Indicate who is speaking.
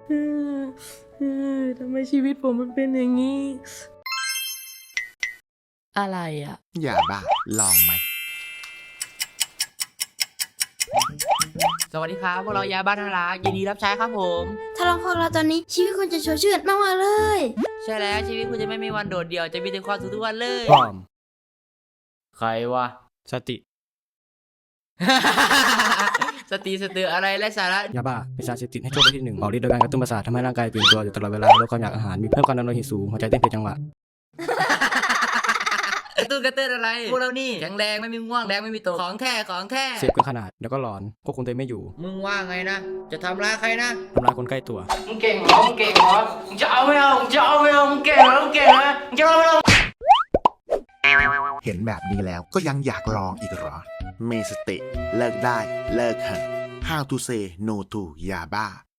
Speaker 1: ทำไมชีวิตผมมันเป็นอย่างนี้ อะไรอ่ะ
Speaker 2: อย่าบ้าลองไหม
Speaker 1: สวัสดีครับพวกเรายาบ้านนารักยินดีรับใช้ครับผม
Speaker 3: ถ้าลองพวกเราตอนนี้ชีวิตคุณจะโชดชื่นมากๆเลย
Speaker 1: ใช่แล้วชีวิตคุณจะไม่มีวันโดดเดี่ยวจะมีแต่ความสุขทุกวันเลย
Speaker 4: พร้อม
Speaker 1: ใครวะ
Speaker 4: สติ
Speaker 1: สติสตืออะไรและสาระ
Speaker 4: ยาบ้าเป็นสารเสพติดให้โทษประเภทหนึ่งออกฤทธิ์โดยการกระตุ้นประสาททำให้ร่างกายตื่นตัวอยู่ตลอดเวลาลดความอยากอาหารมีเพิ่มความดันโลหิตสูงหัวใจเต้นผิดจังหวะ
Speaker 1: กระตุ้นอะไรพวกเรานี่แข็งแรงไม่มีง่วงแรงไม่มีตกของแท้
Speaker 4: เสพเกินขนาดเดี๋ยวก็หลอนควบคุมตัวเองไม่อยู่
Speaker 1: มึงว่าไงนะจะทำร้ายใครนะ
Speaker 4: ทำร้ายคนใกล้ตัว
Speaker 1: มึงเก่งเหรอมึงจะเอาไม่เอามึงเก่งเหรอมึงจะเอาไม่เอา
Speaker 2: เห็นแบบนี้แล้วก็ยังอยากลองอีกเหรอ เมสติเลิกได้เลิกเถอะ How to say no to ยาบ้า